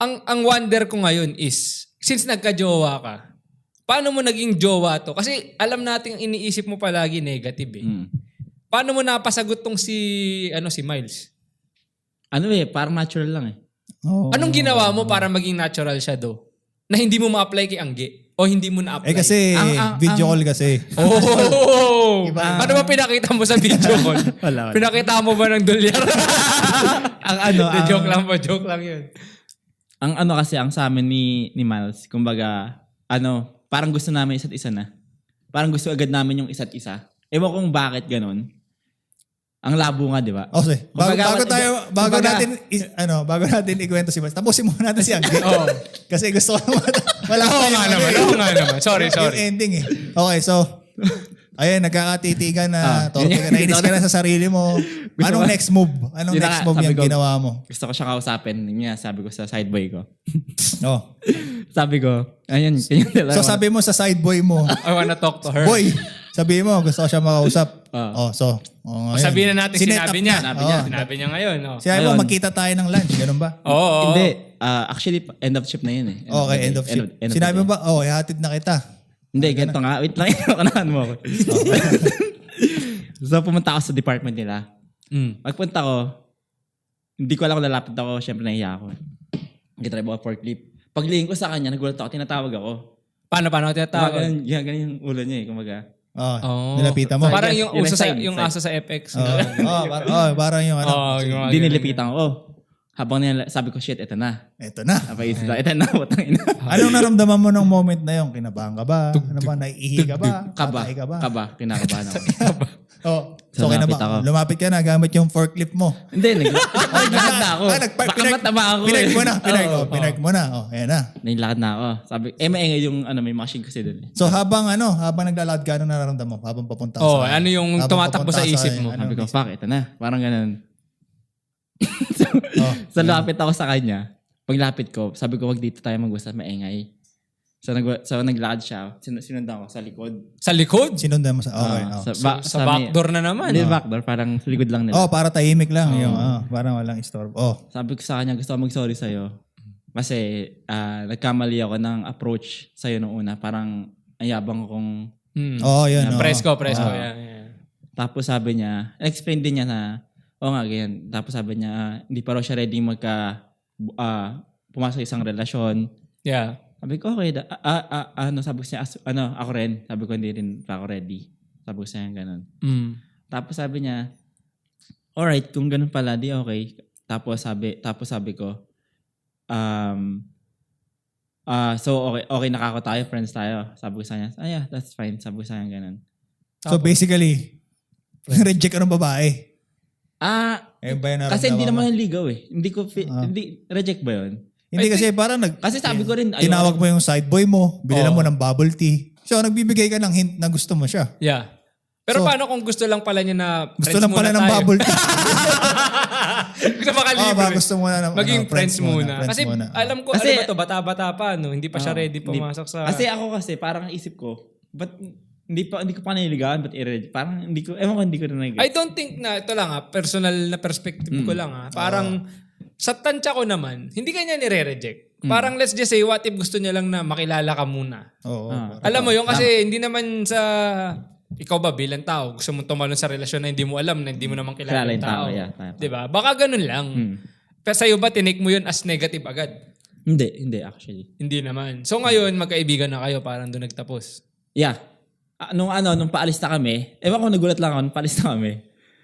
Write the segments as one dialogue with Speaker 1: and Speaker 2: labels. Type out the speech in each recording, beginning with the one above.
Speaker 1: ang wonder ko ngayon is, since nagka-jowa ka, paano mo naging jowa to? Kasi alam natin iniisip mo palagi negative eh. Paano mo napasagot tong si Miles?
Speaker 2: Parang natural lang eh.
Speaker 3: Oh.
Speaker 1: Anong ginawa mo para maging natural siya do? Na hindi mo ma-apply kay Angge? O hindi mo na-apply?
Speaker 3: Kasi video call kasi.
Speaker 1: Oh! Ano ba pinakita mo sa video call?
Speaker 2: Wala.
Speaker 1: Pinakita mo ba ng dolyar? Joke lang yun.
Speaker 2: Ang sa amin ni Miles, kumbaga, parang gusto namin isa't isa na. Parang gusto agad namin yung isa't isa. Ewan kung bakit ganun. Ang labo nga, di ba?
Speaker 3: Okay. Bago natin ikwento si Miles. Tapusin muna natin si Angge. Kasi gusto ko wala
Speaker 1: Oo nga naman. Sorry.
Speaker 3: Yung ending eh. Okay, so ayun, nagkakatitigan na nainis ka na sa sarili mo. Anong next move? Anong next move yung ginawa mo?
Speaker 2: Gusto ko siya kausapin. Yun nga, sabi ko sa sideboy ko.
Speaker 3: Oh.
Speaker 2: Sabi ko, ayun.
Speaker 3: So sabi mo sa sideboy mo,
Speaker 1: I wanna talk to her.
Speaker 3: boy, sabi mo, gusto ko siya makausap.
Speaker 1: Sabihin na natin, sinabi niya.
Speaker 2: Sinabi
Speaker 1: niya ngayon.
Speaker 3: Sinabi mo, magkita tayo ng lunch. Ganun ba?
Speaker 1: Oo.
Speaker 2: Hindi. Actually, end of shift na yun eh.
Speaker 3: Okay, end of shift. Sinabi mo ba, ihatid na kita.
Speaker 2: Hindi, ganito nga. Wait lang. Kanahan mo ako. So, pumunta ako sa department nila. Pagpunta ko, hindi ko alam kung lalapit ako. Siyempre, nahiya ako. Nag-drive ako forklift. Paglingin ko sa kanya, nagulat ako, tinatawag ako.
Speaker 1: Paano ako tinatawag?
Speaker 2: Ganun yung ulo niya eh. Kumaga.
Speaker 3: Nilapitan mo.
Speaker 1: Parang yung aso sa FX.
Speaker 3: Parang yung
Speaker 2: Hindi nilipitan ko. Habang sabi ko, shit, eto na.
Speaker 3: Eto na.
Speaker 2: Napaisip lang, eto na, putang ina.
Speaker 3: Anong naramdaman mo ng moment na yun? Kinabahan ka ba? Ano ba? Naiihi ka ba?
Speaker 2: Kaba. Kinakabahan ako.
Speaker 3: So lumapit ka na gamit yung forklift mo.
Speaker 2: Hindi, naglakad na ako. Baka mataba ako eh.
Speaker 3: Pinark mo na. Ayan na.
Speaker 2: Naglakad na ako. Sabi, maingay yung may machine kasi doon.
Speaker 3: So habang naglalakad ka, anong nararamdaman mo? Habang papunta sa...
Speaker 1: ano yung tumatakbo sa isip mo?
Speaker 2: Sabi ko, fuck, ito na. Parang ganun. So lapit ako sa kanya. Paglapit ko, sabi ko, wag dito tayo mag-usap, maingay. So naglakad siya. Sinundan ko sa likod.
Speaker 1: Sa likod?
Speaker 3: Sinundan mo sa... Okay.
Speaker 1: Sa backdoor na naman.
Speaker 2: Hindi backdoor, parang sa likod lang nila.
Speaker 3: Para tahimik lang. Parang walang istorbo.
Speaker 2: Sabi ko sa kanya, gusto ko mag-sorry sa'yo. Kasi nagkamali ako ng approach sa'yo noong una. Parang ayabang akong...
Speaker 3: Yun.
Speaker 1: Presko. Yeah.
Speaker 2: Tapos sabi niya, explain din niya na, nga, ganyan. Tapos sabi niya, hindi pa raw siya ready pumasok sa isang relasyon.
Speaker 1: Yeah.
Speaker 2: Sabi ko, okay. Sabi ko siya, ako rin. Sabi ko, hindi rin pa ako ready. Sabi ko siya, ganun. Tapos sabi niya, alright, kung ganun pala, di okay. Tapos sabi ko, so okay nakako tayo, friends tayo. Sabi ko sa kanya, yeah, that's fine. Sabi ko sa kanya, ganun.
Speaker 3: So basically, reject ka ng babae.
Speaker 2: Kasi hindi naman yung ligaw eh. Hindi, reject ba yun?
Speaker 3: Hindi kasi parang
Speaker 2: kasi sabi ko rin,
Speaker 3: tinawag mo yung side boy mo, binilan mo ng bubble tea. So nagbibigay ka ng hint na gusto mo siya.
Speaker 1: Yeah. Pero paano kung gusto lang pala niya na
Speaker 3: gusto lang pala ng bubble tea?
Speaker 1: Gusto makalibre.
Speaker 3: Gusto mo na
Speaker 1: maging friends muna. Kasi alam ko,
Speaker 2: kasi,
Speaker 1: bata-bata pa, hindi pa siya ready pumasok sa...
Speaker 2: Kasi ako parang isip ko, but hindi ko pa nililigawan, but parang hindi ko na nag-get.
Speaker 1: I don't think na, ito lang personal na perspective ko lang parang sa tansya ko naman, hindi kanya nire-reject. Parang let's just say, what if gusto niya lang na makilala ka muna? Alam mo yun, kasi hindi naman sa... Ikaw ba bilang tao, gusto mong tumalon sa relasyon na hindi mo alam, na hindi mo naman kilala yung tao. Diba? Baka ganun lang. Pero sa'yo ba, tinake mo yun as negative agad?
Speaker 2: Hindi actually.
Speaker 1: Hindi naman. So ngayon, magkaibigan na kayo, parang doon nagtapos.
Speaker 2: Yeah. Nung paalis na kami, ewan ko nagulat lang ako, nung paalis na kami,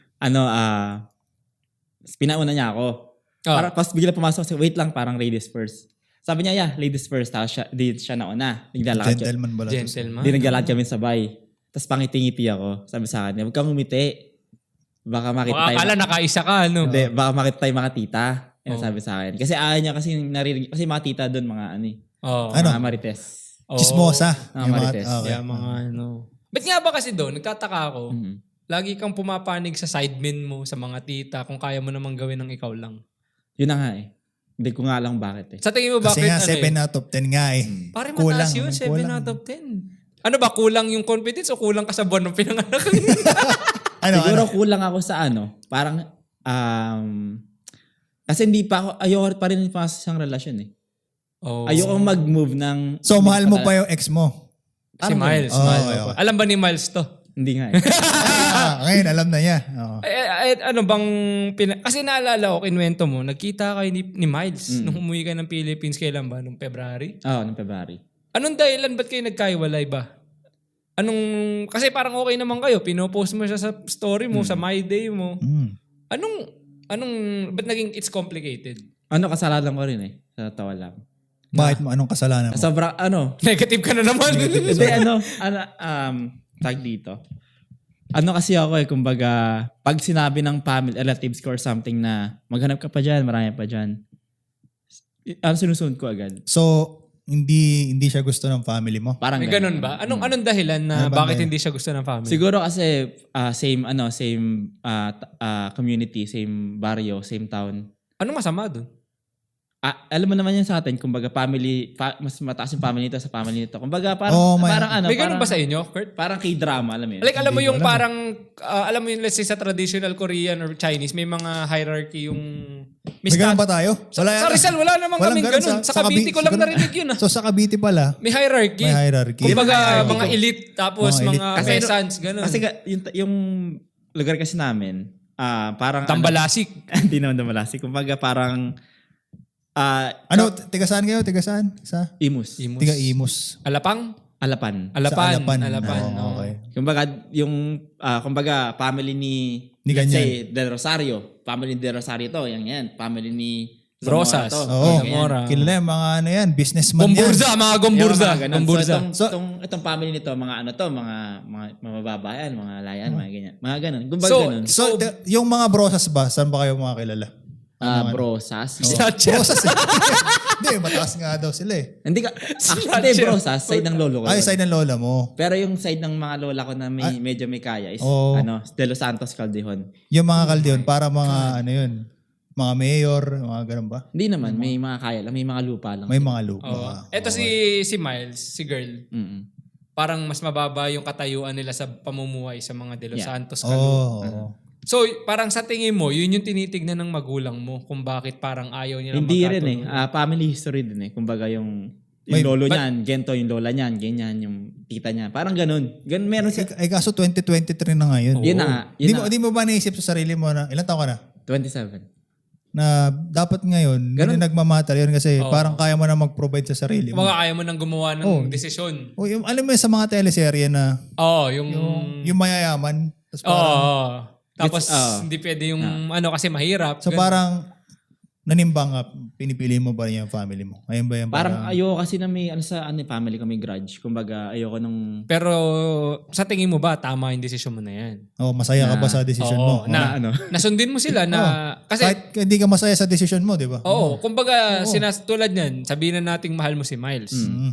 Speaker 2: pinauna niya ako. Para pas bigla pumasok, wait lang, parang ladies first. Sabi niya, yeah, ladies first. Tapos siya nauna.
Speaker 3: Gentleman ba?
Speaker 2: Hindi naglalakad kami sabay. Tapos pangiti-ngiti ako. Sabi sa akin, huwag kang umiti. Baka makita tayo.
Speaker 1: Akala nakaisa ka, no?
Speaker 2: Hindi, baka makita tayo mga tita. Yan sabi sa akin. Kasi ayaw niya kasi narinig. Kasi mga tita doon, mga mga marites.
Speaker 3: Chismosa.
Speaker 2: Mga marites.
Speaker 1: Mga Ba't nga ba kasi doon, nagtataka ako, lagi kang pumapanig sa sidemen mo, sa mga tita, kung kaya mo namang gawin ng ikaw lang.
Speaker 2: Yun na nga eh. Hindi ko nga lang bakit eh.
Speaker 1: Sa tingin mo bakit?
Speaker 3: Kasi nga 7 out of 10 nga eh.
Speaker 1: Parang mataas yun, 7 out of 10. Ano ba, kulang yung confidence o kulang ka sa buwan ng pinanganak?
Speaker 2: Siguro kulang ako sa parang, kasi hindi pa ako, ayoko pa rin sa isang relasyon eh.
Speaker 1: Oh.
Speaker 2: Ayoko mag-move ng...
Speaker 3: So, mahal mo pa yung ex mo?
Speaker 1: Si Miles.
Speaker 3: Oh,
Speaker 1: Miles.
Speaker 3: okay, okay.
Speaker 1: Alam ba ni Miles to?
Speaker 2: Hindi nga eh.
Speaker 3: Ngayon, alam na niya. Oo.
Speaker 1: Ano bang... Kasi naalala ko, kinwento mo, nagkita kayo ni Miles nung umuwi ka ng Philippines. Kailan ba? Nung February?
Speaker 2: Oo, noong February.
Speaker 1: Anong dahilan? Ba't kayo nagkaiwalay ba? Kasi parang okay naman kayo. Pinopost mo siya sa story mo, sa My Day mo. Ba't naging it's complicated?
Speaker 2: Kasalanan ko rin eh. Sa tawa lang.
Speaker 3: Bakit mo? Anong kasalanan mo?
Speaker 2: Sobrang
Speaker 1: Negative ka na naman.
Speaker 2: Hindi, tag dito. Kasi ako kumbaga, pag sinabi ng family, relatives ko or something na maghanap ka pa dyan, marami pa dyan, sinusunod ko agad.
Speaker 3: So, hindi siya gusto ng family mo?
Speaker 2: Parang
Speaker 1: May ganun ba? Anong dahilan na bakit hindi siya gusto ng family?
Speaker 2: Siguro kasi same community, same barrio, same town.
Speaker 1: Anong masama doon?
Speaker 2: Alam mo naman yan sa atin, kumbaga mas mataas yung family nito sa family nito. Kumbaga parang
Speaker 1: may ganun ba sa inyo, Kurt?
Speaker 2: Parang K-drama, alam mo yun.
Speaker 1: Like alam mo yung parang alam mo yung let's say sa traditional Korean or Chinese may mga hierarchy yung
Speaker 3: may ganun ba tayo?
Speaker 1: Sa Rizal wala namang kaming ganun. Sa Cavite ko lang narinig yun.
Speaker 3: So sa Cavite pala,
Speaker 1: may hierarchy. Kumbaga mga elite tapos mga peasants ganun.
Speaker 2: Kasi yung lugar kasi namin parang
Speaker 1: Tambalasik.
Speaker 2: Hindi naman Tambalasik. Kumbaga parang
Speaker 3: tiga saan kayo? Tiga saan? Sa?
Speaker 2: Imus.
Speaker 3: Tiga Imus.
Speaker 1: Alapan.
Speaker 3: Alapan.
Speaker 1: Okay.
Speaker 2: Kumbaga yung kumbaga family ni let's say Del Rosario. Family ni Del Rosario to, yan. Family ni
Speaker 1: Rosas.
Speaker 3: Zamora. Kilala yung mga businessman
Speaker 1: Gomburza, mga Gomburza.
Speaker 2: So itong family nito, mga mga mababayan, mga layan, mga ganyan. Mga ganun. Kumbaga ganun.
Speaker 3: So, yung mga brosas ba, saan ba kayo mga kilala?
Speaker 2: Brosas.
Speaker 3: Brosas eh. Hindi, mataas nga daw sila eh.
Speaker 2: Hindi Brosas, side ng lolo ko.
Speaker 3: Ay, side ng lola mo.
Speaker 2: Pero yung side ng mga lola ko na medyo may kaya is De Los Santos Caldejon.
Speaker 3: Yung mga Caldejon, para mga mga mayor, mga ganun ba?
Speaker 2: Hindi naman, may mga kaya lang, may mga lupa lang.
Speaker 3: May mga lupa.
Speaker 1: Ito si Miles, si girl. Parang mas mababa yung katayuan nila sa pamumuhay sa mga De Los Santos Caldejon. So, parang sa tingin mo, yun yung tinitignan ng magulang mo kung bakit parang ayaw niya
Speaker 2: Hindi rin family history din eh. Kumbaga yung lolo niyan, gento yung lola niyan, ganyan yung tita niya. Parang ganun. Meron siya.
Speaker 3: Kaso 2023 na ngayon.
Speaker 2: Yun na nga.
Speaker 3: Hindi mo ba naisip sa sarili mo na, ilan taon ka na?
Speaker 2: 27.
Speaker 3: Na dapat ngayon, hindi nagmamatter yun kasi parang kaya mo na mag-provide sa sarili mo.
Speaker 1: Kaya mo nang gumawa ng desisyon.
Speaker 3: Alam mo sa mga teleserye na yung mayayaman.
Speaker 1: Tapos hindi pwede yung kasi mahirap.
Speaker 3: So parang nanimbang ka, pinipili mo ba yung family mo? Ayun ba yan?
Speaker 2: Parang ayoko kasi na may family ko may grudge. Kumbaga ayoko nung...
Speaker 1: Pero sa tingin mo ba tama yung desisyon mo na yan?
Speaker 3: Masaya ka ba sa desisyon mo?
Speaker 1: Nasundin mo sila na... Kasi,
Speaker 3: kahit hindi ka masaya sa desisyon mo, di ba?
Speaker 1: Kumbaga tulad yan, sabihin na nating mahal mo si Miles.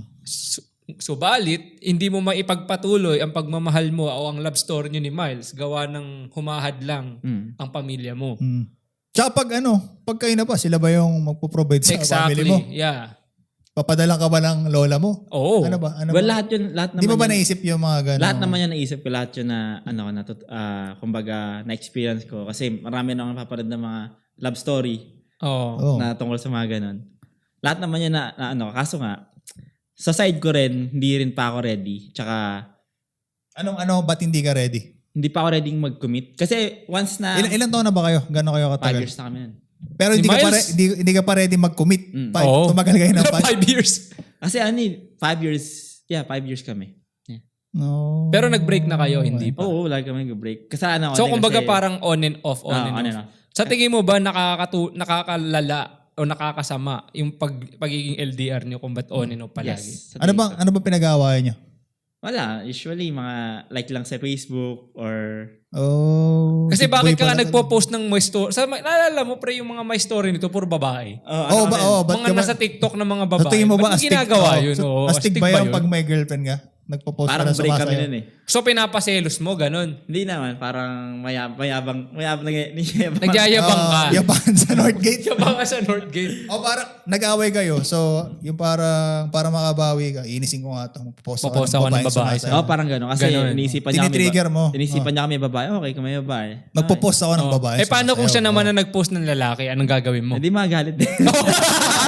Speaker 1: Subalit, hindi mo maipagpatuloy ang pagmamahal mo o ang love story nyo ni Miles gawa ng humahad lang ang pamilya mo.
Speaker 3: Tsaka pag kayo na pa, sila ba yung magpo-provide sa family mo?
Speaker 1: Yeah.
Speaker 3: Papadala ka ba ng lola mo?
Speaker 1: Oo.
Speaker 3: Ano ba?
Speaker 2: Lahat naman.
Speaker 3: Di mo ba naisip yung mga gano'n?
Speaker 2: Lahat naman yan naisip ko. Lahat yun na, kumbaga, na-experience ko. Kasi marami na akong napapanood ng mga love story na tungkol sa mga gano'n. Lahat naman yan kaso nga, sa side ko rin, hindi rin pa ako ready. Tsaka...
Speaker 3: ba't hindi ka ready?
Speaker 2: Hindi pa ako ready mag-commit. Kasi once na...
Speaker 3: Ilan taon na ba kayo? Gano'n kayo katagal?
Speaker 2: 5 years na kami yan.
Speaker 3: Pero hindi ka pa ready mag-commit? Tumagal kayo ng
Speaker 1: 5 years.
Speaker 2: Kasi 5 years... Yeah, 5 years kami. Yeah.
Speaker 3: No.
Speaker 1: Pero nag-break na kayo, hindi pa?
Speaker 2: Oo, lagi kami nag-break. Kasi
Speaker 1: so kumbaga parang on and off. Sa tingin mo ba nakakalala o nakakasama yung pagiging LDR niyo kung ba't on and off palagi?
Speaker 3: Yes. Ano bang pinag-aawayan niyo?
Speaker 2: Wala. Usually, mga like lang sa Facebook or...
Speaker 1: Kasi bakit ka nagpo-post ng my story? Naalala mo pre yung mga my story nito, puro babae. Mga nasa TikTok na mga babae.
Speaker 3: Tingin mo ba
Speaker 1: ba't ginagawa yun?
Speaker 3: Astig ba yung pag may girlfriend ka? Nagpo-post
Speaker 2: parang
Speaker 3: ka na
Speaker 2: break kami nun eh.
Speaker 1: So pinapaselos mo, ganun?
Speaker 2: Hindi naman. Parang mayabang
Speaker 1: Nagyayabang ka.
Speaker 3: Yabangan sa Northgate.
Speaker 1: Yabangan sa Northgate.
Speaker 3: Parang nag-away kayo. So, yung para makabawi ka, inisin ko nga ito. Popost
Speaker 1: ako ng babae.
Speaker 2: Parang gano'n. Kasi inisipan niya
Speaker 3: tinitrigger mo.
Speaker 2: Inisipan niya kami babae. Okay, kung may babae.
Speaker 3: Magpo-post ako ng babae.
Speaker 1: Paano kung siya naman na nag-post ng lalaki? Anong gagawin mo?
Speaker 2: Hindi magalit din.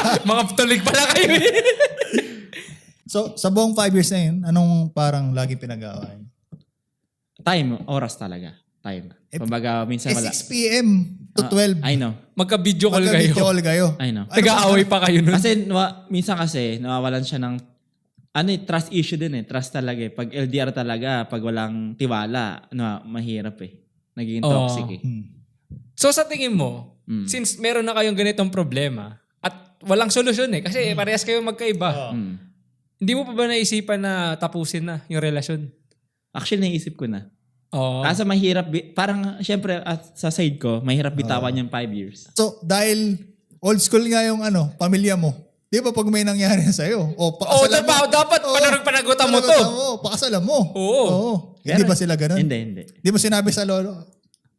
Speaker 1: Mga tulig pala kayo.
Speaker 3: So, sa buong 5 years na yun, anong parang lagi pinag-aaway?
Speaker 2: Time, oras talaga. Time. Kumbaga, minsan wala.
Speaker 3: 6 p.m. to 12.
Speaker 2: I know.
Speaker 1: Magka-video call kayo.
Speaker 3: Magka-video call kayo.
Speaker 2: I know.
Speaker 1: Nag-aaway pa kayo nun.
Speaker 2: Kasi minsan kasi nawawalan siya ng trust issue din eh. Trust talaga eh. Pag LDR talaga, pag walang tiwala, mahirap eh. Nagiging toxic eh.
Speaker 1: So sa tingin mo, since meron na kayong ganitong problema at walang solusyon eh, kasi parehas kayo magkaiba. Hindi mo pa ba naisipan na tapusin na yung relasyon?
Speaker 2: Actually, naisip ko na.
Speaker 1: Oo.
Speaker 2: Kaso mahirap, parang syempre sa side ko, mahirap bitawan yung 5 years.
Speaker 3: So, dahil old school nga yung pamilya mo, di ba pag may nangyari sa'yo, pakasalan mo.
Speaker 1: Dapat panagutan mo to.
Speaker 3: Pakasalan mo.
Speaker 1: Oo.
Speaker 3: Hindi ba sila ganun?
Speaker 2: Hindi.
Speaker 3: Di mo sinabi sa lolo,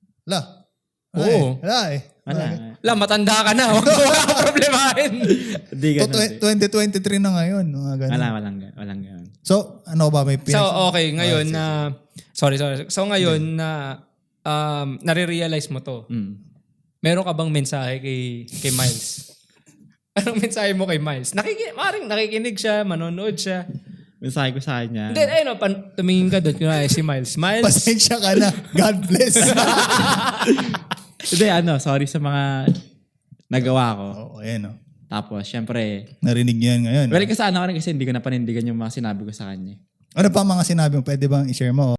Speaker 1: Oo.
Speaker 3: Wala eh.
Speaker 1: La, matanda ka na. Huwag mo kang problemahin.
Speaker 2: Hindi ganun.
Speaker 3: 2023 na ngayon. Mga ganun.
Speaker 2: Walang ganun.
Speaker 3: So, ano ba? May
Speaker 1: So, okay. Ngayon na... Sorry. So, ngayon na nare-realize mo to. Meron ka bang mensahe kay Miles? Anong mensahe mo kay Miles? Maring nakikinig siya, manonood siya.
Speaker 2: Mensahe ko sa kanya.
Speaker 1: Hindi, ayun, tumingin ka doon. Kunwari si Miles.
Speaker 3: Pasensya ka na. God bless.
Speaker 2: Hindi, sorry sa mga nagawa ko.
Speaker 3: Ayan.
Speaker 2: Tapos, syempre,
Speaker 3: Narinig niyo yan ngayon.
Speaker 2: well, kasi hindi ko na panindigan yung mga sinabi ko sa kanya.
Speaker 3: Ano pa mga sinabi mo? Pwede bang i-share mo?